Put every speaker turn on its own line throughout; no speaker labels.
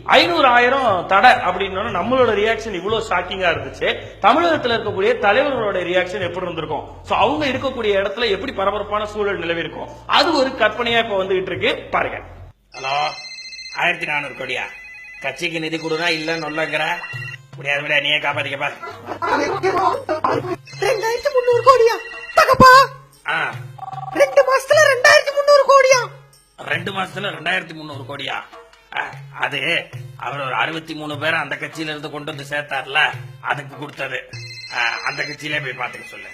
500,000 தடை அப்படின்னு நம்மளோட ரியாக்ஷன் இவ்வளவு ஷாக்கிங்கா இருந்துச்சு. தமிழகத்தில் இருக்கக்கூடிய தலைவர்களோட ரியாக்ஷன் எப்படி இருந்திருக்கும், சோ அவங்க இருக்கக்கூடிய இடத்துல எப்படி பரபரப்பான சூழல் நிலவி இருக்கும், அது ஒரு கற்பனையா இப்ப வந்துகிட்டு இருக்கு பாருங்க.
ஹலோ, 1400 கோடியா? கட்சிக்கு நிதி கொடுனா இல்ல நொல்லங்கிற முடியாது விட, நீயே காப்பாத்திக்கப்பா.
2300 கோடியா தகப்பா? 2 மாசத்துல 2300 கோடியா?
2 மாசத்துல 2300 கோடியா? அது அவர் ஒரு 63 பேரை அந்த கட்சியில இருந்து கொண்டு வந்து சேர்த்தார்ல, அதுக்கு கொடுத்தது. அந்த கட்சியிலே போய் பாத்துக்க சொல்லு.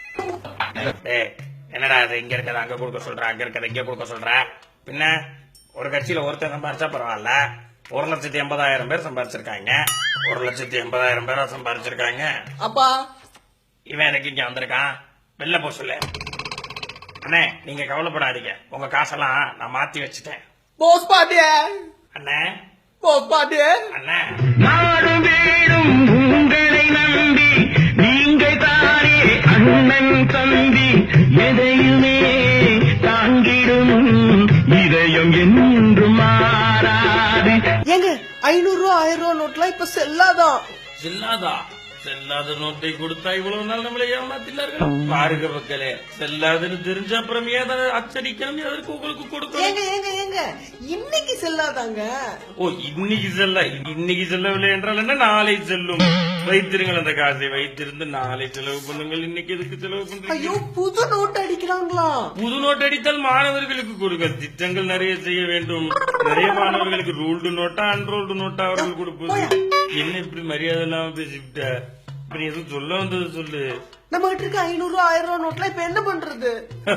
என்னடா அது இங்க இருக்கத அங்க கொடுக்க சொல்ற, அங்க இருக்கத இங்க கொடுக்க சொல்ற? பின்ன ஒரு கட்சியில ஒருத்தர் சம்பாரிச்சா பரவாயில்ல, 1,80,000 பேர் சம்பாரிச்சிருக்காங்க, 1,80,000 பேரா சம்பாரிச்சிருக்காங்க.
அப்பா
இவன் எனக்கு இங்க வந்திருக்கான், வெளில போ சொல்லு. அண்ணே நீங்க கவலைப்படாதீங்க, உங்க காசெல்லாம் நான் மாத்தி வச்சுட்டேன்.
போஸ் பாட்டியே,
அண்ணே
போஸ் பாட்டியே,
அண்ணே
நாடும் வீடும் உங்களை நம்பி நீங்கள் தானே அண்ணன் தம்பி, எதையுமே தாங்கிடும் இதயம் என்றும் மாறாது.
ஏங்க 500 ரூபா 1000 ரூபா நோட்லாம் இப்ப செல்லாதான்.
செல்லாதா? செல்லாத நோட்டை கொடுத்தா இவ்வளவு நாள் நம்மளை ஏமாத்தில்லார்கள். பாருங்க மக்களே, செல்லாதுன்னு தெரிஞ்ச அப்புறம் ஏதாவது அச்சடிக்கணும், எதற்கு உங்களுக்கு கொடுக்கணும்?
ஏங்க ஏங்க ஏங்க இன்னைக்கு செல்லாதாங்க.
ஓ இன்னைக்கு செல்ல, இன்னைக்கு செல்லவில்லை என்றால் என்ன, நாளை செல்லும். வைத்திருங்கள் அந்த காசை, வைத்திருந்து நாளை செலவு பண்ணுங்கள். இன்னைக்கு எதுக்கு செலவு பண்றீங்க?
ஐயோ புது நோட் அடிக்கிறாங்களா?
புது நோட் அடித்தால் மாணவர்களுக்கு கொடுங்க, திட்டங்கள் நிறைய செய்ய வேண்டும். நிறைய மாணவர்களுக்கு ரூல்டு நோட்டா அன்ரோல்டு நோட்டா அவர்கள் கொடுப்பது. என்ன இப்படி மரியாதை இல்லாம பேசிவிட்ட? இப்ப நீ எதுவும் சொல்ல வந்தது சொல்லு.
நம்ம கிட்ட இருக்க 500 ரூபா 1000 ரூபா நோட்லாம் இப்ப என்ன பண்றது?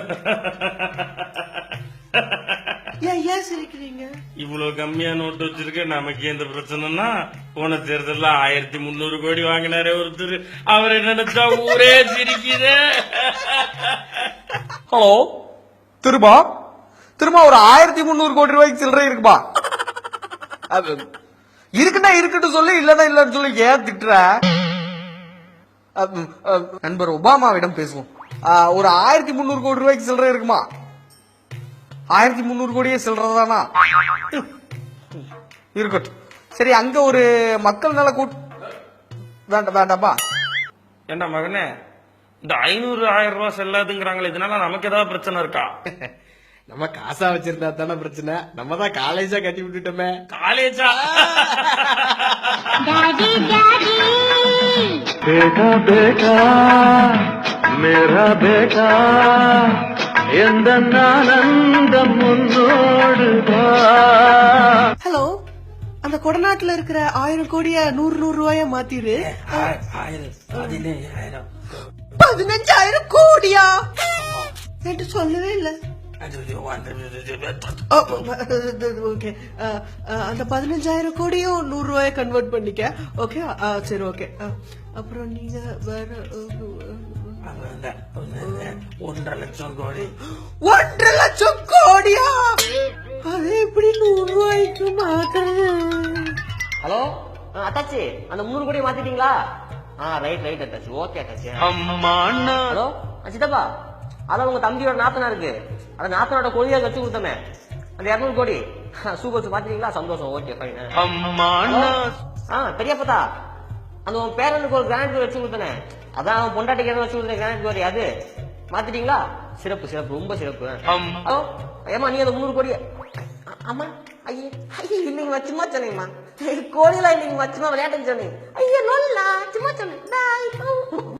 ஏன் சிரிக்கிறீங்க?
இவ்வளவு கம்மியா நோட்டு வச்சிருக்க, நமக்கு எந்த பிரச்சனைனா, போன தேர்தல்ல 1300 கோடி வாங்கினாரே ஒருத்தர், அவரை நினைச்சா ஊரே சிரிக்குதே.
ஹலோ, திரும்ப ஒரு 1300 கோடி ரூபாய்க்கு சில்லறை இருக்குப்பா. இருக்குன்னா இருக்கட்டும் சொல்லு, இல்லன்னா இல்லன்னு சொல்லி ஏன் திட்டுற? நண்பர் ஒபாமாவிடம் பேசுவோம். ஒரு 1300 கோடி ரூபாய்க்கு சில்லறை இருக்குமா? 1300 கோடியே சில்லறதானா? இருக்கட்டும். சரி, அங்க ஒரு மக்கள் நல வேண்டாம்பா.
ஏண்டா மகனே, இந்த 500,000 ரூபாய் செல்லாதுங்கிறாங்களே, இதனால நமக்கு ஏதாவது பிரச்சனை இருக்கா?
நம்ம காசா வச்சிருந்தா தானே பிரச்சனை, நம்ம தான் காலேஜா கட்டி விட்டுட்டோமே.
காலேஜா?
बेटा बेटा मेरा बेटा எந்த ஆனந்தம் முன்னோடுதா.
ஹலோ, அந்த கொடநாட்டுல இருக்கிற 1000 கோடிய 100 ரூபாயா மாத்திரு. 15,000 கோடியா? என்று சொல்லவே இல்ல. ஓகே, அந்த 15,000 கோடியும் 100 ரூபாய கன்வெர்ட் பண்ணிக்க. ஓகே, சரி ஓகே. அப்புறம் நீங்க வேற
1.5 லட்சம் கோடி.
1.5 லட்சம் கோடியா? அது எப்படி 100 ரூபாய்க்கு மாத்துறது?
ஹலோ அத்தாச்சி, அந்த 300 கோடி மாத்திட்டீங்களா? ரைட் அத்தாச்சி, ஓகே அத்தாச்சி. ஹலோ சித்தப்பா, அதான் உங்க தம்பியோட நாத்தனா இருக்கு, அந்த நாத்தனோட கொடியா வச்சு கொடுத்தமே, அந்த 200 கோடி சூப்பர் பாத்தீங்களா? சந்தோஷம், ஓகே ஃபைன். பெரியப்பா, அந்த உன் பேரனுக்கு ஒரு கிரானைட் வச்சு கொடுத்தனே, அதான் அவன் பொண்டாட்டிக்கு வச்சு கொடுத்தேன் கிரானைட் கோடி, அது மாத்திட்டீங்களா? சிறப்பு, ரொம்ப சிறப்பு. ஹலோ ஏமா, நீ அந்த 300 கோடி? ஆமா ஐயே இன்னைக்கு வச்சுமா சொன்னீங்கம்மா, கோடியெல்லாம் இன்னைக்கு வச்சுமா விளையாட்டுன்னு சொன்னீங்க. ஐயோ நல்லா சும்மா